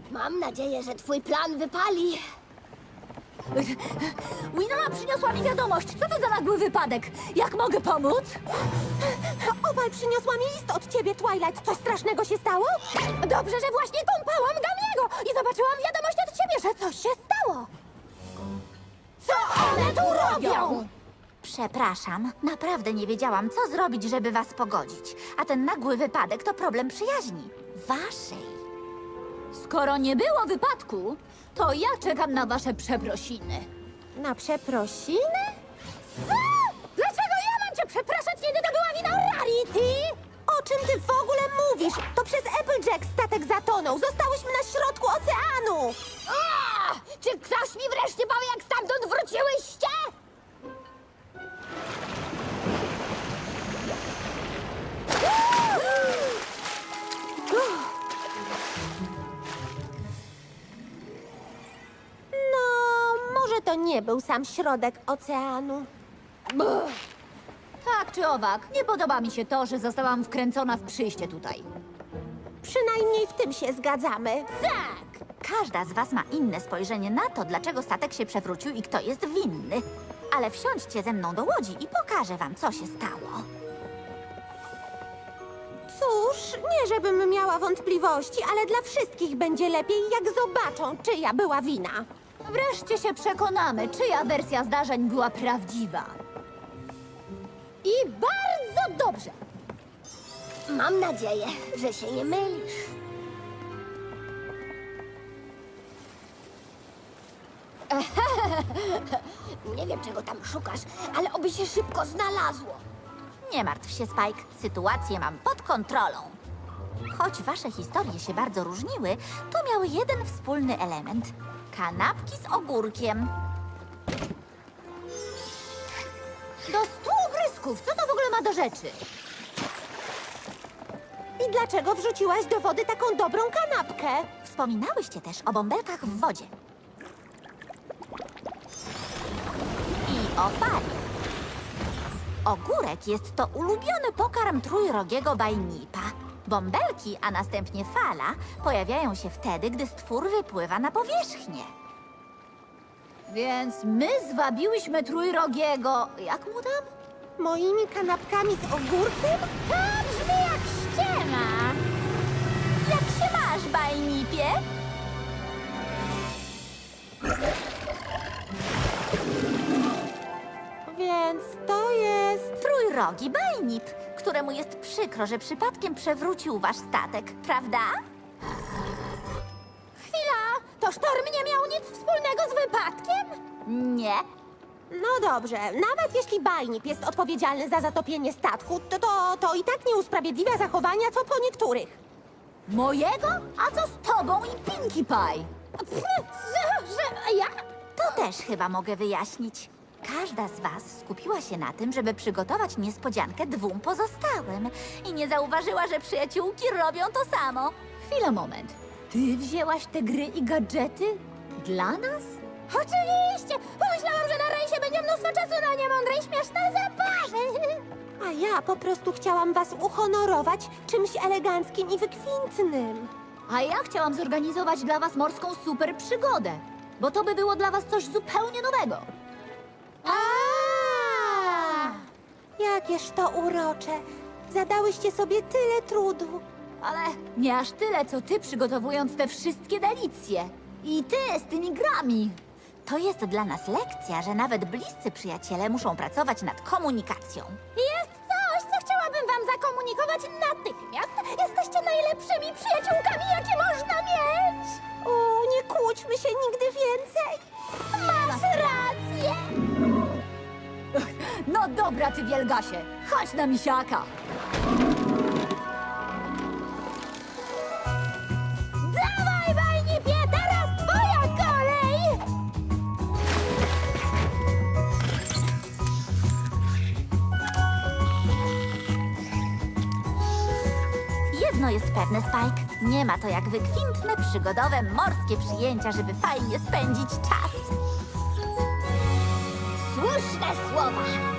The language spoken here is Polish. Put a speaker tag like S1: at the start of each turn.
S1: Mam nadzieję, że twój plan wypali.
S2: Winona przyniosła mi wiadomość. Co to za nagły wypadek? Jak mogę pomóc?
S3: Opal przyniosła mi list od ciebie, Twilight. Coś strasznego się stało? Dobrze, że właśnie kąpałam Gamiego i zobaczyłam wiadomość od ciebie, że coś się stało. Co one tu robią?
S2: Przepraszam, naprawdę nie wiedziałam, co zrobić, żeby was pogodzić. A ten nagły wypadek to problem przyjaźni. Waszej. Skoro nie było wypadku, to ja czekam na wasze przeprosiny.
S3: Na przeprosiny?
S2: Co? Dlaczego ja mam cię przepraszać, kiedy to była wina Rarity?
S3: O czym ty w ogóle mówisz? To przez Applejack statek zatonął. Zostałyśmy na środku oceanu.
S1: A! Czy ktoś mi wreszcie powie, jak stamtąd wróciłyście?
S3: No, może to nie był sam środek oceanu.
S2: Tak czy owak, nie podoba mi się to, że zostałam wkręcona w przyjście tutaj.
S3: Przynajmniej w tym się zgadzamy.
S2: Tak! Każda z was ma inne spojrzenie na to, dlaczego statek się przewrócił i kto jest winny. Ale wsiądźcie ze mną do łodzi i pokażę wam, co się stało.
S3: Cóż, nie żebym miała wątpliwości, ale dla wszystkich będzie lepiej, jak zobaczą, czyja była wina.
S2: Wreszcie się przekonamy, czyja wersja zdarzeń była prawdziwa. I bardzo dobrze!
S1: Mam nadzieję, że się nie mylisz. Nie wiem, czego tam szukasz, ale oby się szybko znalazło.
S2: Nie martw się, Spike. Sytuację mam pod kontrolą. Choć wasze historie się bardzo różniły, to miały jeden wspólny element. Kanapki z ogórkiem. Do 100 brysków! Co to w ogóle ma do rzeczy?
S3: I dlaczego wrzuciłaś do wody taką dobrą kanapkę?
S2: Wspominałyście też o bąbelkach w wodzie. I o fali. Ogórek jest to ulubiony pokarm trójrogiego bajnipa. Bąbelki, a następnie fala pojawiają się wtedy, gdy stwór wypływa na powierzchnię. Więc my zwabiłyśmy trójrogiego... Jak mu tam?
S3: Moimi kanapkami z ogórkiem?
S2: To brzmi jak ściema. Jak się masz, bajnipie?
S3: Więc to jest...
S2: Trójrogi bajnip, któremu jest przykro, że przypadkiem przewrócił wasz statek, prawda?
S3: Chwila! To sztorm nie miał nic wspólnego z wypadkiem?
S2: Nie.
S3: No dobrze, nawet jeśli Bajnip jest odpowiedzialny za zatopienie statku, to i tak nie usprawiedliwia zachowania, co po niektórych.
S2: Mojego? A co z tobą i Pinkie Pie?
S3: Że ja?
S2: To też chyba mogę wyjaśnić. Każda z was skupiła się na tym, żeby przygotować niespodziankę dwóm pozostałym i nie zauważyła, że przyjaciółki robią to samo. Chwila, moment. Ty wzięłaś te gry i gadżety dla nas?
S3: Oczywiście! Pomyślałam, że na rejsie będzie mnóstwo czasu na niemądre i śmieszne zabawy. A ja po prostu chciałam was uhonorować czymś eleganckim i wykwintnym.
S2: A ja chciałam zorganizować dla was morską super przygodę, bo to by było dla was coś zupełnie nowego.
S3: Jakież to urocze. Zadałyście sobie tyle trudu.
S2: Ale nie aż tyle, co ty przygotowując te wszystkie delicje. I ty z tymi grami. To jest dla nas lekcja, że nawet bliscy przyjaciele muszą pracować nad komunikacją.
S3: Jest coś, co chciałabym wam zakomunikować natychmiast. Jesteście najlepszymi przyjaciółkami, jakie można mieć. Nie kłóćmy się nigdy więcej. Masz rację.
S2: No dobra, ty wielgasie, chodź na misiaka.
S3: Dawaj, Bajnipie, teraz twoja kolej.
S2: Jedno jest pewne, Spike. Nie ma to jak wykwintne, przygodowe, morskie przyjęcia, żeby fajnie spędzić czas.
S1: Słuszne słowa.